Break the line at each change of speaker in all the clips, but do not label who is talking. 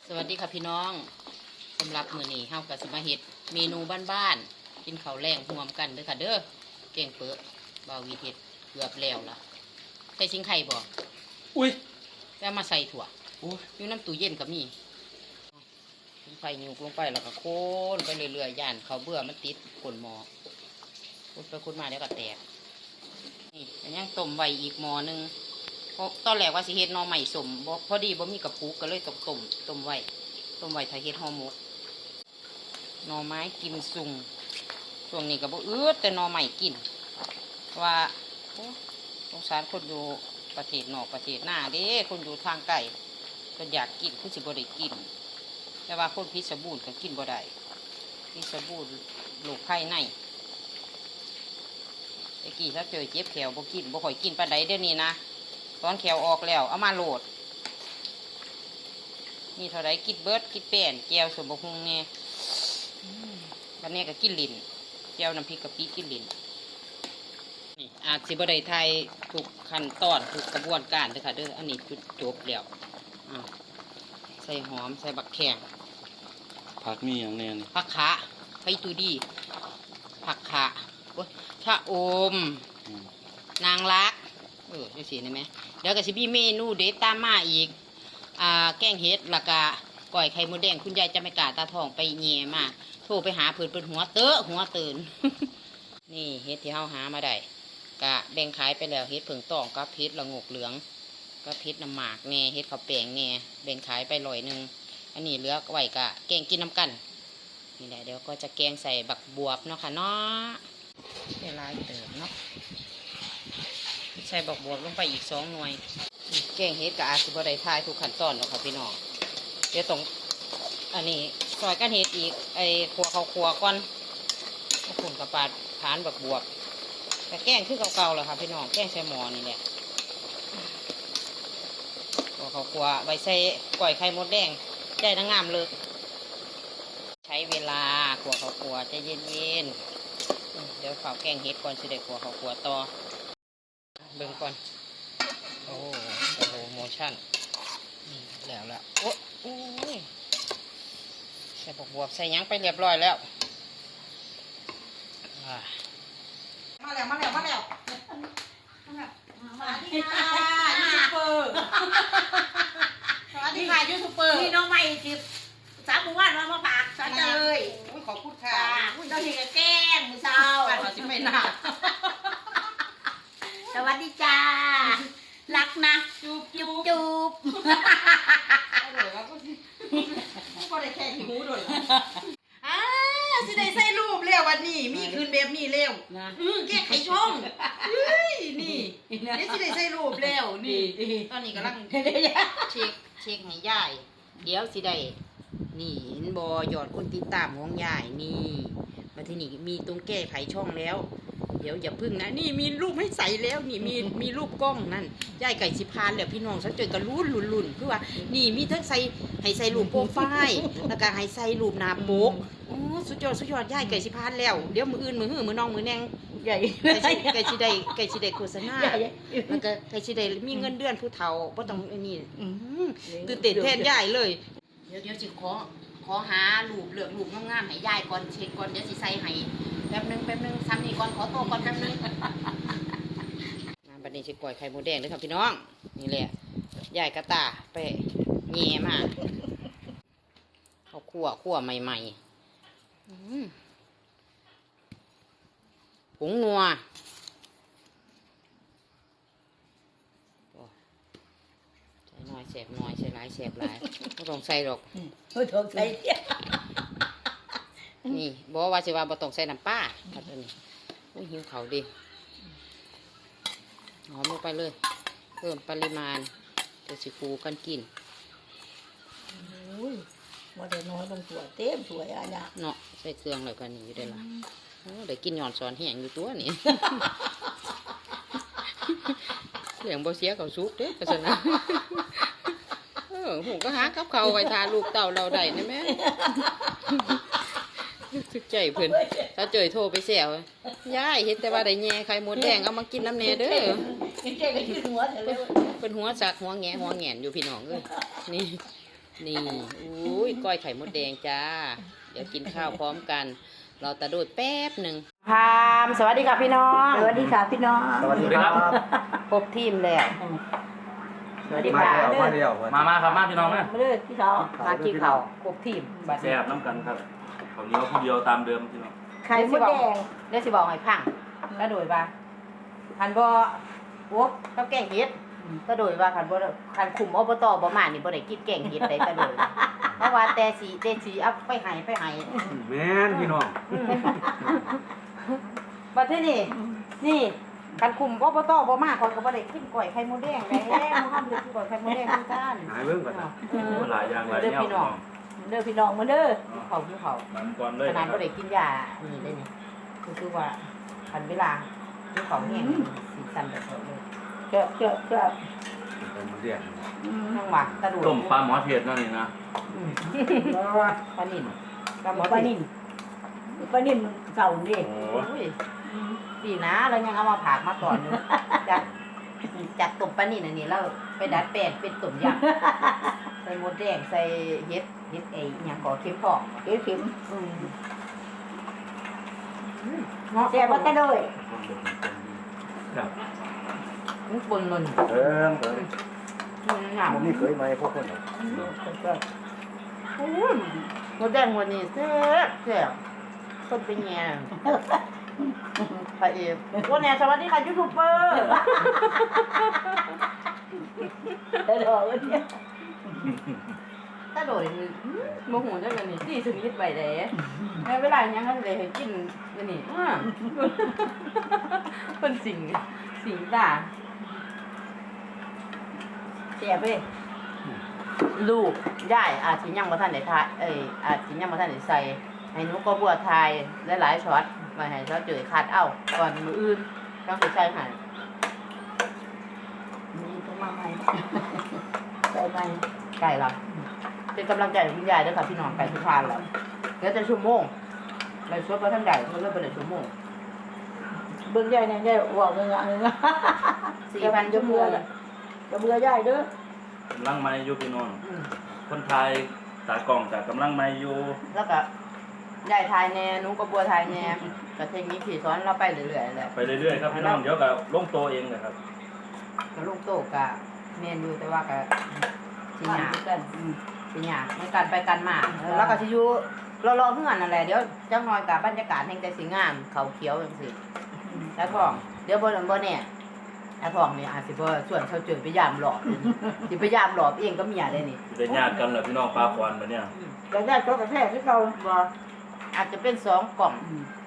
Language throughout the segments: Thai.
สวัสดีค่ะพี่น้องสำหรับมื้อนี้เฮาก็สิมาเฮ็ดเมนูบ้านๆกินข้าวแรงร่วมกันเด้อค่ะเด้อแกงเปอะบ่าววีเฮ็ดเกือบแล้วล่ะใส่สิงไข่บ่
อุ้ย
แล้วมาใส่ถั่ว
โอ้ย
อยู่น้ำตู้เย็นก็มีสิงไข่ยุกลงไปแล้วก็โคนไปเรื่อยๆย่านข้าวเบื่อมันติดก้นหม้อคนไปคนมาเดี๋ยวก็แตกนี่อันยังต้มไว้อีกหม้อนึงตอนแรกว่าสิเฮ็ดหน่อไม้สมบ่พอดีบ่มีกระปุกก็เลยต้องต้มไว้ถ้าเฮ็ดห่อหมกหน่อไม้กิมซุงช่วงนี้ก็บ่แต่หน่อไม้กินว่าสงสารคนอยู่ประเทศนอกประเทศหน้าเด้คนอยู่ทางไกลก็อยากกินคือสิบ่ได้กินแต่ว่าคนพิษบูรณ์ก็กินบ่ได้พิษบูรณ์โรคภัยในตะกี้ถ้าเจอเจ็บแขวบ่กินบ่ค่อยกินปานใดเดี๋ยวนี้นะตอนแขวออกแล้วเอามาโหลดนี่เท่าไรกินเบิร์ดกินแป้นแก้วสมบูรณ์เนี่ยวันนี้ก็กินลิ้นแก้วน้ำพริกกะปิกินลิ้นนี่อาจสิบได้ไทยถูกขั้นตอนถูกกระบวนการเด้อค่ะเด้ออันนี้จุดจบแล้วใส่หอมใส่บักแข้ง
ผักมีอย่างแน่น
ผักขาไผ่ตูดีผักขาชะอมนางรักจังสิได้ไหมเดี๋ยวก็สิมีเมนูเด็ดตามมาอีกแกงเห็ดแล้วก็ก่อยไข่มดแดงคุณยายจะไม่กล้าตาทองไปเงี่ยมาโทรไปหาเพิ่นหัวตื่น นี่เห็ดที่เฮาหามาได้กะแบ่งขายไปแล้วเห็ดเผิงตองกับเห็ดละงกเหลืองก็เห็ดน้ำหมากแน่เห็ดข้าวแป้งแน่แบ่งขายไป100อันนี้เหลือไว้กะแกงกินน้ำกันนี่แหละเดี๋ยวก็จะแกงใส่บักบวบเนาะค่ะเนาะเวลาเติมเนาะใส่บักบวบลงไปอีก2 หน่วยแกงเห็ดกับอาสิบได้ทายทุกขั้นตอนหรอกค่ะพี่น้องเดี๋ยวต้องอันนี้ซอยกันเห็ดอีกไอ้ขัวเขาขัวก่อนขุ่นกับปาดผานบักบวบแต่แกงคือเก่าๆแหละค่ะพี่น้องแกงใส่หม้อนี่แหละขัวเขาขัวไว้ใส่ก่อยไข่มดแดงได้ทั้งงามเลยใช้เวลาขัวเขาขัวใจเย็นๆเดี๋ยวเฝ้าแกงเห็ดก่อนสิได้ขัวเขาขัวต่อเบิ่งก่อนโอ้โหโมชั่นแล้วละโอ้ยใส่บวบใส่ยังไปเรียบร้อยแล้ว
มาแล้วสวัสดีค่ะยูทูบเบอร์สวัสดีค่ะยูทูบเบอร์พี่น้องใหม่จิบสามหมู่บ้านมาปากสวัสดีเลย
ขอบคุณค่ะ
เราเห็นกับแก้มมือเช้า
เราจะไม่หนัก
สวัสดีจ้ารักนะจูบก็ได้แค่ที่หูด้วยสิได้ใส่รูปเร็ววันนี้มีคืนแบบนี้เร็วแก้ไขช่องนี่นี่สิได้ใส่รูปเร็วนี่
ตอนนี้กำลังเช็คให้ยายเดี๋ยวสิได้นี่เห็นบอยอดคนติดตามของยายนี่มาที่นี่มีตรงแก้ไขช่องแล้วเดี๋ยวอย่าพึ่งนะนี่มีรูปให้ใส่แล้วนี่มีรูปกล้องนั่นยายไก่สิพานแล้วพี่น้องฉันเจอกันรุ่นคือว่านี่มีทั้งใส่ให้ใส่รูปโปรไฟล์แล้วก็ให้ใส่รูปหน้าปกโอ้สุดยอดยายไก่สิพานแล้วเดี๋ยวมืออื่นมือหื้อมือน้องมือแนง
ใหญ่
ไก่สิได้โฆษณาแล้วก็ไก่สิได้มีเงินเดือนผู้เฒ่าบ่ต้องนี่ตื่นเต้นแทนยายเลยเดี๋ยวสิขอหารูปเลือกรูปงามๆให้ยายก่อนเช็คก่อนเดี๋ยวสิใส่ให้แป๊บนึงซ้ำนี่ก่อนขอโตก่อนแป๊บนึงบัดนี้สิก่อยไข่มดแดงเลยครับพี่น้องนี่แหละยายกระตาไปแง่มาเขาคั่วใหม่ผงนัวใส่น้อยแสบน้อยใส่หลายแสบหลายไม่ต้องใส่หรอก
ไม่ต้องใส่
นี่บอกว่าสิว่าบ่ต้องใส่น้ำปลาครับนี่โอ้ยหิวเขาดิหอมลงไปเลยเพิ่มปริมาณเดี๋ยวสิคูกันกิน
ว่าแต่น้อยลงสวยเต็มสวยอ่ะเนี่ย
เนาะใส่เครื่องเลยกันนี่อยู่ได้ละเดี๋ยวกินหย่อนสอนแห้งอยู่ตัวนี่เสียงบ่เสียเขาซุกเด้อกันนะผมก็หากับเขาไว้ทาลูกเต่าเราได้นะแม่สึกใจเพื่อนถ้าเจอโทรไปเสียวยายเห็นแต่ว่าได้แง่ไข่มดแดงเอามากินน้ำเนเด้อเป็นหัวสักหัวแงนอยู่พี่น้องเลยนี่นี่อุ้ยก้อยไข่มดแดงจ้า เดี๋ยวกินข้าวพร้อมกัน เราตะโดดแป๊บหนึ่งพามสวัสดีค่ะพี่น้อง
สวัสดีค่ะพี่น้อง
สวัสดีครับ
ครบทีมแล้วสวัสดีค่ะ
มาเดียว
มาครับมาพี่น้องนะ
มาเลยพี่สาว
มากินข้าวครบทีมบัด
แซ่บน้ำกันครับข้าวเหนียวผู้เดียวตามเดิมพี่น้อง
ไข่มดแดง
เดี๋ยวสิบอกให้พังตะโดยว่าคันบ่โอ๊บกับแกงเห็ดตะโดยว่าคันบ่คันคุมอบตบ่มานี่บ่ได้กินแกงเห็ดได้ตะโดยเพราะว่าแต่สีเอาไปให้
แม่นพี่น้อง
บัดทีนี้นี่คันคุมอบตบ่มาคนก็บ่ได้กินก้อยไข่มดแดงแล้วบ่ทำเลยกินก้อยไข่มดแดงคือกัน
หายเบิ่งก่อนนะ
หลายอย่างหลายแนวพี่น้อง
เด้อพี่น้องมาเด้อ
เขา
มันก่อนเลย
ขนาดบ่ได้กินยานี่ได้นี่คือว่าคันเวลาที่เขาแห้งสีสันแบบนี้เลย
เจ้าเจ้าเจ้า
เป็นมันเรียก
ทั้งว่าตะดู
ต้มปลาหมอเทียดนั่นนี่นะ
ปลานิ่มปลาหมอ
ปลานิ่มปลานิ่มเก่าดิ
โอ้
โอ้ยดีนะแล้วยังเอามาผักมาก่อนอยู่จากต้มปลานิ่มอันนี้แล้วไปดัดแปลงเป็นต้มยำใส่หมดแดงใส่เห็ดไอ้หยังก่อเค็มพอก
เข็มเข็ม
เงาะ
แซ่บมาแต่เลย
ครับ
มันปนมัน
เอิ้ง
มันหนาว
ผมนี่เคยมาพวกคน
หมดแดงวันนี้แซ่บคนเป็นแง่พระเอกวันนี้สวัสดีค่ะยูทูบเบอร์
แต่ดอกเนี่ย
ถ้าโดยโมโหจังเลยนี่ตีสนิทไปเลยแม่เวลายังกันเลยให้กินนี่เป็นสิ่งด่า
แซ่บเว้ย
ลูกย่ายอาจสิยังบ่ทันได้ทายอาจสิยังบ่ทันได้ใส่ให้หนูก็บัวทายหลายๆช็อตมาให้เขาเจอคัดเอาก่อนมื้ออื่นต้องสิใส่ให้
มีต้องมาใหม่ใส่ใหม่
ไก่ละเป็นกำลังใจให้คุณยายด้วยค่ะพี่น้องไก่ทุกทานแล้วเหลือแต่ชั่วโมงในช่วงก็ท่านใหญ่เขาเริ่มเป็นชั่วโมง
เบิ่งใหญ่เนี่ยใหญ่ว่าเงาเงา
4,000 ชั่วโมง
จะเบื่อใหญ่เด้อก
ำลังไม่อยู่พี่น้อง
อืม
คนไทยตากล้องจากกำลังไม่อยู่
แล้วก็ยายทายแน่หนุ้งก็บัวทายแน่ก็เทคนิคที่สอนเราไปเรื่อยๆแหละ
ไปเรื่อยๆครับพี่น้องเดี๋ยวก็ลงโตเองนะครับ
ก็ลูกโตกะเมนอยู่แต่ว่าก็สิหยา
กัน
สิหยาในการไปกันมาแล้วก็สิอยู่รอๆเฮือนนั่นแหละเดี๋ยวจังน้อยกับบรรยากาศแห่งใจสิงามเขาเขียวจังซี่แล้วก็เดี๋ยวบ่เนี่ยไอ้พ่องนี่อาจสิบ่ส่วนเขาเจอไปยามหลอบสิไปยามหลอบเองก็เมียได้นี่
ได้ญาติกันเหรอพี่น้องปลาควันมาเนี่ย
จะได้ตัวกระแทกที่เขา
บ่อาจจะเป็น2 กล่อง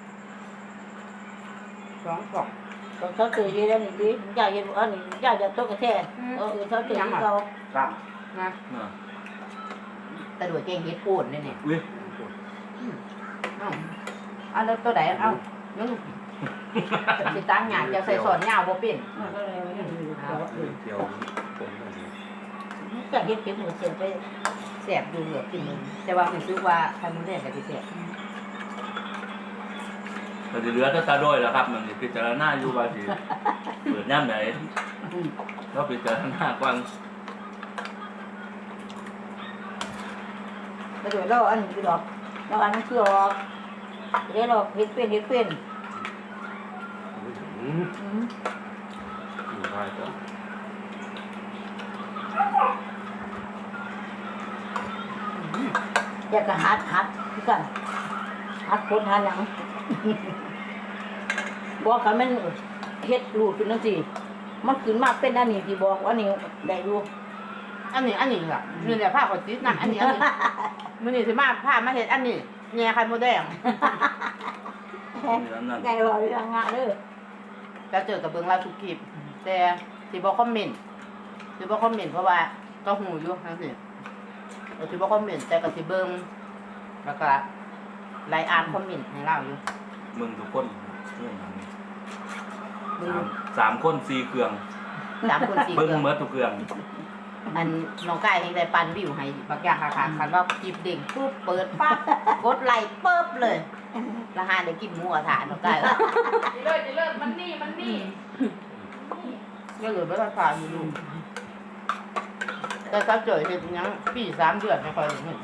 2 กล่อง
เขาเจอเยอะแล้วนี่ดิอยากเห็นอันนี้อยากจะตัวกระแทกเขาเจอที่เขา
ครับ
นะ
น่ะ
แต่ด้วยเก่งเฮ็ดพูดนี่นี่
อุ้ย
เอาแล้วตัวใดเอานึงสิตั้งหยังจะใส่สอนยาวบ่เป็น
เกี่ยวผม
อยากเห็นเป็นหัวเสียไป
แซ่บอยู่เหลือกินนึงแต่ว่ารู้สึกว่าไข่มดแดงก็สิแซ่บ
แต่ที่เหลือก็ตาโดยแล้วครับมันสิพิจารณาอยู่ว่าสิเปิดย่ำไหนก็พิจารณากว้าง
แล้วเดี๋ยวเราอันนี้คือดอกเราอันนี้คือดอกเดี๋ยวเราเห็ดเป็น
อยู่ได้ก็
อยากจะหัดคือกันหัดคนหัดหยังบอกกันมันเฮ็ดรูดขึ้นจังซี่มันขึ้นมาเป็นอันนี้ที่บอกว่านี่ได้อยู่
อันนี้ล่ะนี่แหละผ้าขนติดนะอันนี้มื้อนี้สิมาผ้ามาเฮ็ดอันนี้แหน่ไข่มดแดง
นั่น
ไงว่าเรื่องงานเด้อ
แล้วเจอกับเบิ่งเราทุกคลิปแต่สิบ่คอมเมนต์เพราะว่าก็หูอยู่จังซี่สิบ่คอมเมนต์แต่ก็สิเบิ่งแล้วก็ไลน์อ่านคอมเมนต์ให้เราอยู่
มึงทุกคนสามคนสี่เครื่อง
3 คน 4
เบิ้ง
เครื่อง
เมื่อทุกเครื่อง
อันน้องกายเองได้ปันวิวให้บางอย่างค่ะคันว่าคลิปเด้งปุ๊บเปิดปั๊บกดไลค์ปึ๊บเลยแล้วหาได้กินหมูกระทะน้องกาย
เลิศมันนี่
ก็เหลือไม่ต้องฝากอยู่ลูกแต่ถ้าเจอเห็ดหยังปี3 เดือนไม่ค่อยเห็น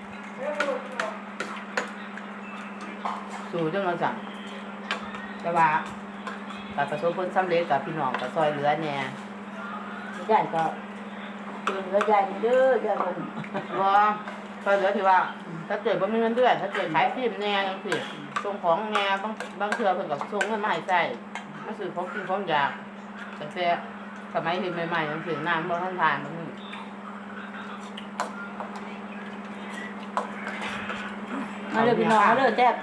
สู่จังว่าสั่งแต่ว่าการประสบผลสำเร็จกับพี่น้องก็ซอยเหลือแหน่
ยายก็ตื่นแล้วยายนี่เด้อยายคน
ว่าซอยเหลือที่ว่าถ้าเกิดบ่มีเงินเดือนถ้าเกิดขายฟิล์มแหน่จังซี่ส่งของแหน่บางเทื่อเพิ่นก็ส่งเงินมาให้ใช้มาซื้อของกินของอยากแต่สมัยที่ใหม่ๆจังซี่น้ำบ่ทันทานมันนี่
มาเลยพี่น้องมาเลยแซ่บ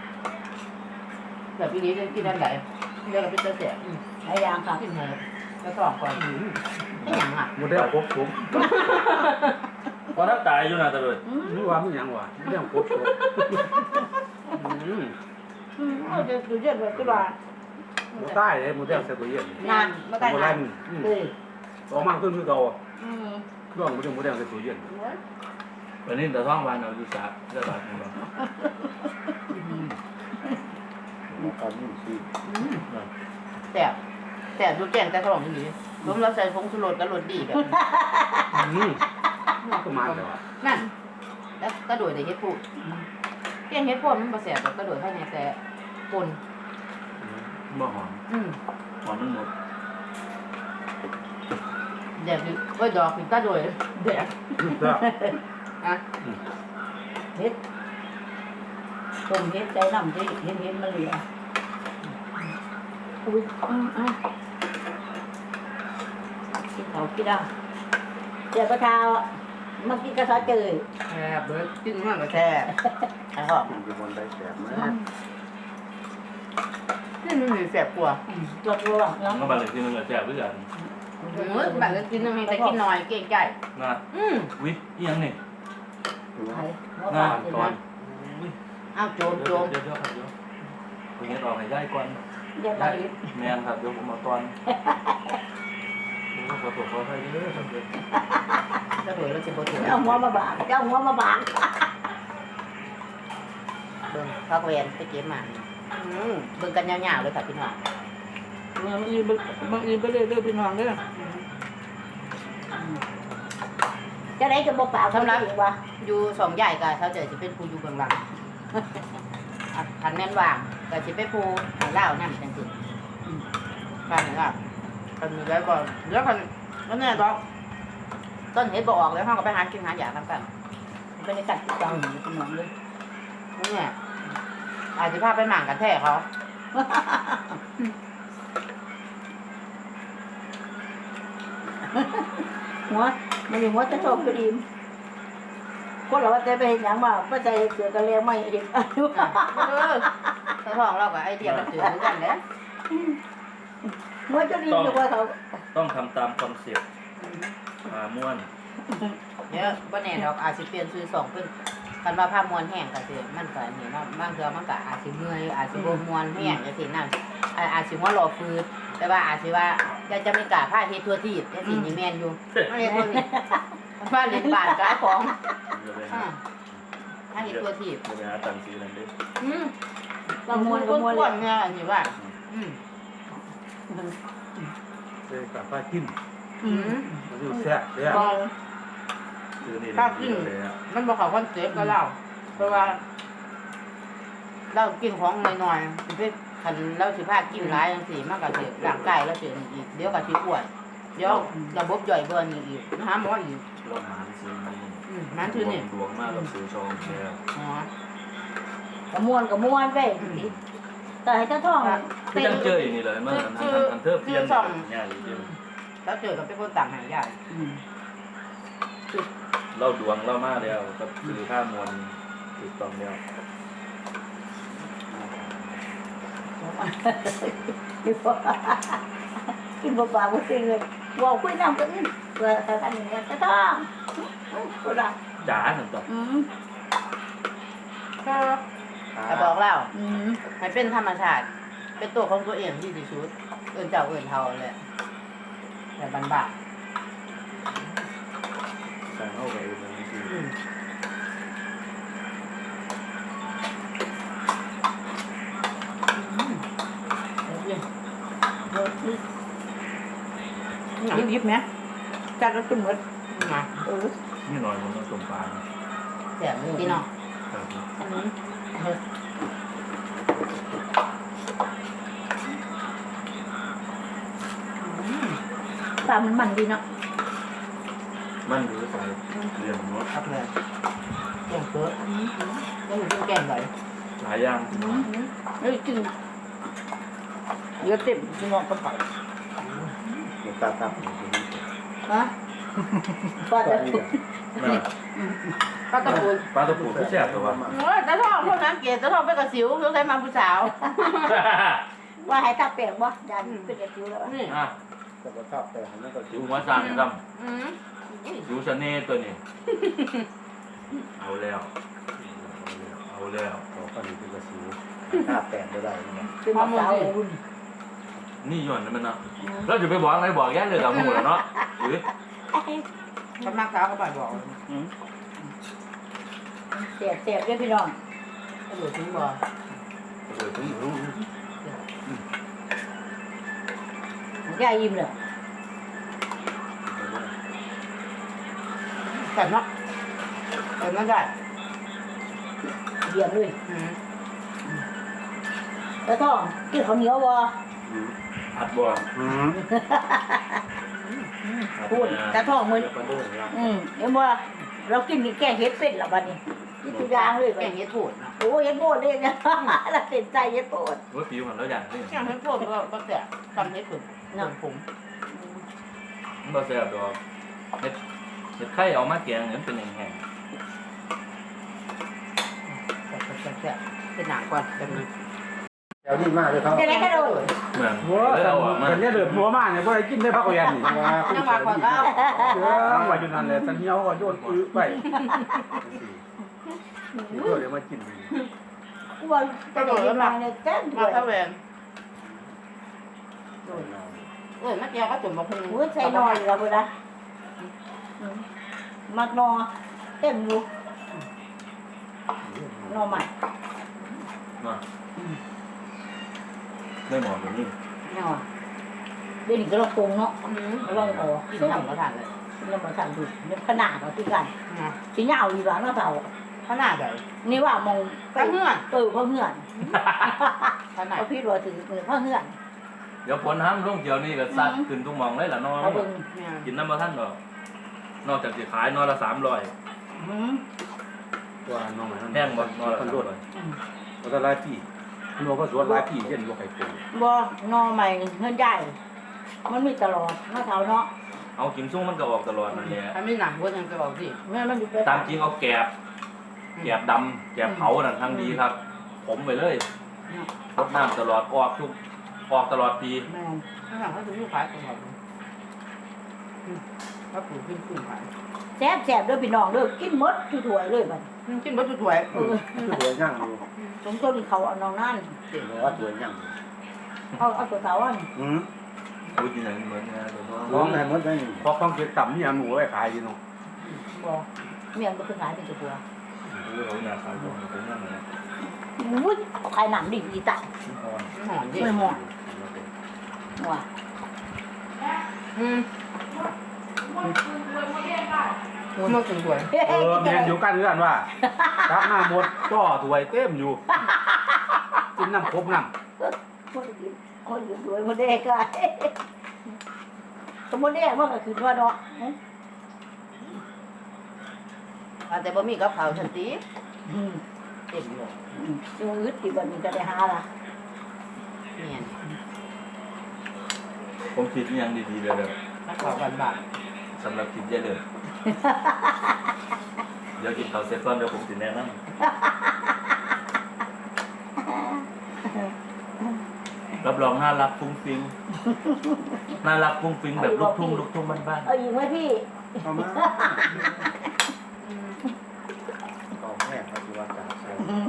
แบบนี้จะกินอันไหนเรียกว่าเป็นเสีย
หลายอย่างค่ะ
กินหมูแล้วสองก่อนไม่หยังอ่ะ
หมดแล้วครบผม
พอถ้าตายอยู่นะตะเลย
นี่ว่าไม่ยังวะเรื่องครบผม
เอาจะดูเย็นไว้ก็ว่า
หมดใต้เลยหมดแล้วเสียตัวเย็น
นานไม่ได้
หมด
นา
แล้
น
ว
เอ้ย
ออกมาขึ้นคือเก่า
อืม
เครื่องมันจะหมดแล้วเสียตัวเย็น
วันนี้แต่ท้องวันเราอยู่3เดือนบาทนึงบ่
ตอนนี้สิ
แต่ดูแกงแต่ขนมนี่รวมเราใส่ผงชูรสกับรสดีแบบ
ก็มาแล้ว
นั่นแล้วกระโดดในเฮ็ดพูแกงเฮ็ดพูมันบ่แซ่บแบบกระโดดให้ในแต่ปน
บ่หอมหอมมันหมด
แดกดิเอ้ยดอกกินกระโดดแดกอ่ะ
เฮ็ดต้มเฮ็ดใจน้ำที่เฮ็ดมันเหลืออุ้ยกินเขากินได้เดี๋ยวก็เช้ามากินกระซอเจย
แซ่บเบิดกินมันก็แซ่บไอ้หอม
มันเป็นคนได้แสบมาก
นี่มันมีแซ่บกว่า
ตัวแล้ว
ก็บาเลยที่นึงก็แซ่บด้วยกัน
แบบกินนึงแต่กินน้อยเก่งใจ
นะ วิอีหยังนี่
หน้า
ตอน
อ้าวโจม
เดี๋ยวครับเดี๋ยวผมจะออกให้ได้ก่อน
เดี๋ยวไป
แมนครับเดี๋ยวผมมาตอนขอโทษขออภัยเด้อครับเดี๋ยว
กระโดดแล้วสิบ่ถึง
เอาหัวมาบางเจ้าหัวมาบาง
เบิ่งพักเวรไปเก็บมาเบิ่งกันยาวๆเลยค่ะพี่น้อง
บางอีไปเรื่อยๆพี่น้องเด้อจะได้จะบ่เปล่าสำหรับว่า
อยู่สองใหญ่กับเขาเจอสิเป็นผู้อยู่เบื้องหลังคันแม่นว่างก็สิเป็นผู้ให้เล่านั่นจังซี่ฟังว่าคันมีแล้วก็แล้วคันนั่นแน่ดอกต้นเฮ็ดบ่ออกแล้วเฮาก็ไปหากินหาหยาทำกัน
บรรยากาศที่จังพี่น้องเลย
นี่แหละอาจสิพาไปหมั่งกันแท้เขา
หัวมันอยู่หัวจะโชคก็ดีคนเราว่าจะไปเห็นอย่างว่าป้าใจเสือกันแล้วไม่เห็น
ถ้าท้องเราก็ไอเดียมันจืดเหมือนกันแหละ
หัวจะดีอยู่ว่าเขา
ต้องทำตามคอนเซ็ปต์ม่วน
เนี่ยบ่แน่ดอกอาจสิเปลี่ยนชื่อสองเป็นคันว่าผ้ามวนแห้งก็สิมันก็นี่เนาะบางเทื่อมันก็อาจสิเมื่อยอาจสิบ่มวนแห้งจังซี่นั่นอาจสิหัวหล่อฟืดแต่ว่าอาจสิว่าจะไม่กล้าพาเฮ็ดทั่วทีบจังซี่นี่แม่นอยู่ไม่เฮ็ดทั่วทีบบ้านเล่นบ้านขายของ
จะไป
ถ้าเฮ็ดทั่วทีบ
จะไปหาตังค์ซื้อนั่นดิ
บางมวนก็มวนเนี่ยอันนี้ว่า
เลยกับป้ากิน
อืม
มันอยู่แซ่บเลย
บาง
ซื้อนี่
ถ้ากิน
เลยอ่ะ
มันบ่เข้าคอนเซ็ปต์กับเราเพราะว่าเรากินของน้อยๆสิไปคันเราสิพากินหลายจังซี่มันก็สิร่างกายเราสิอีกเดี๋ยวก็สิอ้วนเดี๋ยวระบบย่อยเบิ่นอีกหาหมออีก
รถหานซื้อนี่
มันคือนี่
ดวงมากกับซื้อชองเนี่ย
อ๋อก
ระมวนไปแต่ให้เจ้าท้อง
คือจังเจออย่างนี้เลยมันอันเทอร์เพียนเนี่ยจริง
แล้วเจอกับเป็นคนต่างหายาก
เราดวงเรามากแล้วกับซื้อข้ามวลถูกต้องแล้ว
กินเปล่าๆก็จริงเลยว่าคุยน้ำกันนี่เพื่อแต่กันอย่างเงี้ยเจ้าท้องก็ได้
จ๋าหนึ่งต่อ
ก็แต่บอกเล่า
อืม
ให้เป็นธรรมชาติ เป็นตัวของตัวเองที่ดีสุดเอื่นเจ้าเอื่นเท่าเลยแต่บันบา
ใส่เข้าไปเลยนี่คือ
ยิบไหมจัดแล้วจุ่มหมด
มา
นี่หน่อยมันต้องต้มปลา
แซ่บเลย
พี่น้อง
ครับ
อันนี้
ปลามันดีเนาะ
มันหรือใส่เรียนรส
ครับเลยแกงเปิดแล้วหนูกินแกงไหน
หลายอย่าง
เฮ้ยกินเยอะเต็มพี่น้องก็ไป
มันตาตับ
ฮะปลาแต่
ปลากระปุก
ปลาตะปูที่แซ่บตัว
โอ้ยตาทองพวกนั้นเกศตาทองไปกระสิวต้องใช้มาผู้สาว
ว่าให้ตาแปลงบ่ยันเป็นกระจิ๋วแล้ว
นี่
อ่ะ
แต่ก็ชอบแต่นั่นก็
จิ๋วหัวสั่งจ
อืม
ำจิ๋วชะเน่ตัวนี้เอาแล้วเอาแล้ว
เขาก็ดีเป็นกระสีชาแต่ได้ได้เนี่ย
เป็นมะพร้าวอุ่น
นี่ย้อนนั่นมันนะเราจะไปบอกอะไรบอกแย่เลยกับหมูแล้วเนาะหรือ
กำลังสาวเขาไปบอก
เสียบด้วยพี่น้อง
กระโดดทิ้งบ่
ถึงรู้
ยายยิ้มเลย
แต่เนาะแต่มันได้
เยี่ยมเลย
อืม
แล้วท้องกินข้าวเหนียวบ่
อัดบ่
พูดแต่ท้องมือ
แล้วก็โดนแล้ว
เห็นบ่เรากินนี่แกงเห็ดเป็ดละบัดนี้กินทุกอย่างเลย
แก
บัด
ง
นี้
เห็ดโผดนะ
โอ้เห็ดโบดเลยนะเราเต็มใจเห็ดโบด
ว่าผิวมันแล้วอย่างนี้
แกงเห็ดโผดก็แซ่บทำเห็ดผึ่งน้ำผง
มันบ่แซ่บดอกเห็ดไข่เอามาแกงเนี่ยเป็นแห้ง
แซ่บเป็นหนังก่อนแบบนี้
แถวนี้มากเลยครับ
จะได้กระโดด
ๆเหมือน
หัว
เลยเอาออกมา
แต่เนี่ยเดือดหัวมากเนี่ยพวกไอ้กินได้พักเรียนนี่
จังหวะก่อนก็
เชื่อว่าอยู่นั่นเลยสันเหี่ยวก็โยนอื้อไปเดี๋ยวมากิน
กูว่าจะได้กินมาเนี่ยแจ้งด้
มา
วย
เข้าแหวนมาแก้วก็จุ่มมาพุง
หัวใจนอนเราเลยนะมักนอเต็มอยู่นอใหม่
มาได้หมอนแบบนี้
นอเดี๋ยวนี้ก็เราปรุงเนาะเราอ๋อ
กิน
ซึ่ง
ทำก็ทานเลย
เรามาสั่งดูเนี่ยขนาดเราที่กัน
นะ
ชิ้นยาวดีกว่าเนาะเต่า
ขนาดไหน
นี่ว่ามอง
ข้าเหื่อน
เพ่อเหื่อน
ขนาด
เอาพี่รัวถือมือพ่อเหื่อน
เดี๋ยวฝนห้ามลงเกี่ยวนี่ก็ซัดขึ้นทุกหมองเลยล่ะน้อง
เอาเบิ่ง
เนี่ย
กินน้ำมาท่านดอกนอกจากสิขายนอละ300
ตัวน้องไหน
แห้งบ่นอละ
คนรวด
300
ก็จะไล่พี่นัวก็สวนไล่พี่เย็นลูกไข่ปู
บ่นอใหม่เงินใหญ่มันมีตลอดเนาะเท่าเนาะ
เอากิมซุ้งมันก็ออกตลอดนั่นแหละ
ถ้าไม่หนักก็ยังจะบอกสิ
แม่มันอยู่ไป
ตามจริงเอาแกบดำแกบเผานั่นทางดีครับ ผมไปเลยรดน้ำตลอดออกตลอดปี
แม่
ถ้าหนักก็จะมีขายตลอดถ้าปลูกขึ้นขาย
แซ่บๆเด้อพี่น้องเด้อกินหมดถ้วยๆเลยบัด
กินบัตรถวย
คือตัวย่างอยู่
สมต้นเขาเอาน้องนั่น
หรือว่าตัวย่าง
เอาตัวเต่าอัน
พูดยังไงเหมือนนะเดี๋ยวน้
น้
อ
อง งไหนมดได้เพราะต้องเก็บต่ำนี่หมูไว้ขายดีน้อง
บ่เมียนบ่คือขายเป็นตัว
รู้เขาหน้าขายของเป็นยังไง
อุ้ยขายหนำดีดีตาย
หอนดิ
ไม่หมดว่ะ
มันถึงถวย
แมนอยู่กันเรื่องว่ารับหน้าหมดจ่อถวยเต็มอยู่กินน้ำครบน้ำ
คนอยู่สวยคนแดงก็สมมติแดงมันก็คือว่าเนาะ
แต่บ่มีกับเขาทันทีเต็มเลย
ดูอึดที่บันนี้ก็ได้หาละ
เนี่ย
ผมคิดยังดีๆเลยเลย
นักข่าวบันบาท
สำหรับคิดเยอะเลยเดี๋ยวกินข้าวเสร็จก่อนเดี๋ยวผมสิแนะนำรับรองน่ารักฟุ้งฟิ้งน่ารักฟุ้งฟิ้งแบบลูกทุ่งบ้าน
เอาอีกไหมพี่
เอามาต่อแม่เขาจะว่าจ่าใส่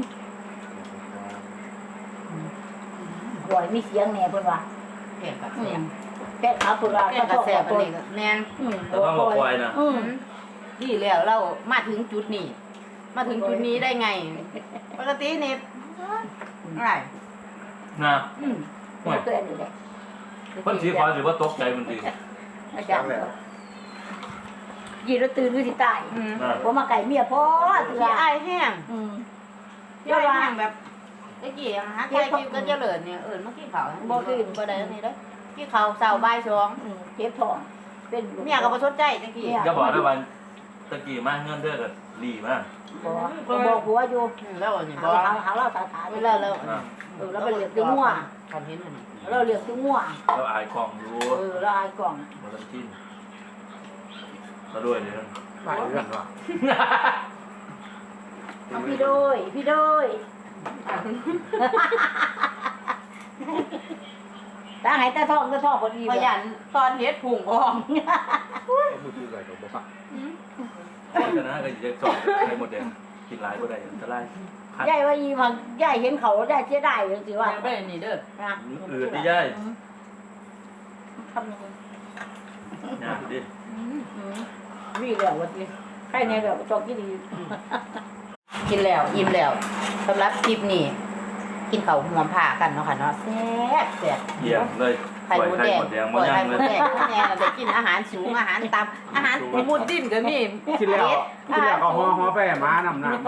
หวยมีเสียงแน่เพิ่นว่า
แก่กับแซ่บ
แป้งขาวเพิ่นว่า
แก่กับแซ่บอันนี้ก็แน่น
ๆแต่ต้องบอกปล่อยนะ
ที่แล้วเรามาถึงจุดนี้ มาถึงจุดนี้ได้ไง ปกตินี่อะไร
นะ
ห่วยเกินอยู่แหละ
คนสีขอถือว่าตกใจมันดี
อาจารย์ยีเราตื่นคือสิตาย
อ่า
ผมมาไก่เมียพ่อเถื่อ
ขี้อายแห้ง
อืม
ขี้อายแห้งแบบตะกี้หาใครกินก็เจริญเนี่ยมากินข้าวบ่กินบ่ได้อันนี้เด้อกินข้าวเช้าบ่ายสอง
เจ็บท้องเป็น
เมียก็บ่สนใจตะกี้
จะบอกได้วันตะกี้มาเงินเด้อก็รีมาก
บอกผัวอยู่
แล้วอันนี้บ่
หาเราสาขา
เวลาแล้ว
อ่า
เราไปเรียกตัวมั่ว
ทำเห็นอันนี้
เราเรียกตัวมั่ว
แล้วอายกล่องรู้
เราอายกล่อง
มาลังกินมาด้วยเนี่ย
หลายเรื่องว่ะ
พี่โดยพี่โดยตาหายตาท้องพอดี
ขยันตอนเฮ็ดผุ่งพอง
มือถืออะไรกับบ่ฟัง
เพราะฉะนั้นก็จะสอนใครหมดแดงกินหลายก็ได้อันตรายคัด
ยายว่าอีพังยายเห็นเขาได้เสียดายจังสิว่า
ไปนี่เด้อ
นะ
อืดดิย่าย
ทำยังไง
ยากดิ
วิ่งแล้ววันนี้ใครเนี่ยแบบจอกกี่ดี
กินแล้วอิ่มแล้วสำหรับคลิปนี้กินข้าวหอมผ่ากันเนาะค่ะเนาะแซ่บแซ่บ
เยี่ยมเลย
ไข่
ปล่อย
มด
ไข่
แดง
หมดแดง
ป
มา
ล่อย
ยั
ไข่
ง
ม
เล
ด
ย
แดงแน่ได้กินอาหารสูงอาหารต่ำอาหารมุดดิ้นก็มี
กินแล้วก็ฮอไปหมานำหน้า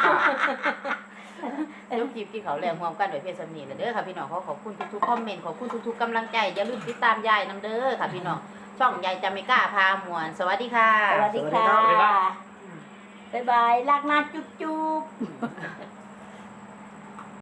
ลูกจีบกินเขาวแรงรวมกันโดยเพศสำนีนะเด้อค่ะพี่น้องขอบคุณทุกๆคอมเมนต์ขอบคุณทุกๆกำลังใจอย่าลืมติดตามยายนำเด้อค่ะพี่น้องช่องยายจามิก้าพามวนสวัสดีค่ะ
สวัสดีค่ะบ๊ายบายรักนะจุ๊บ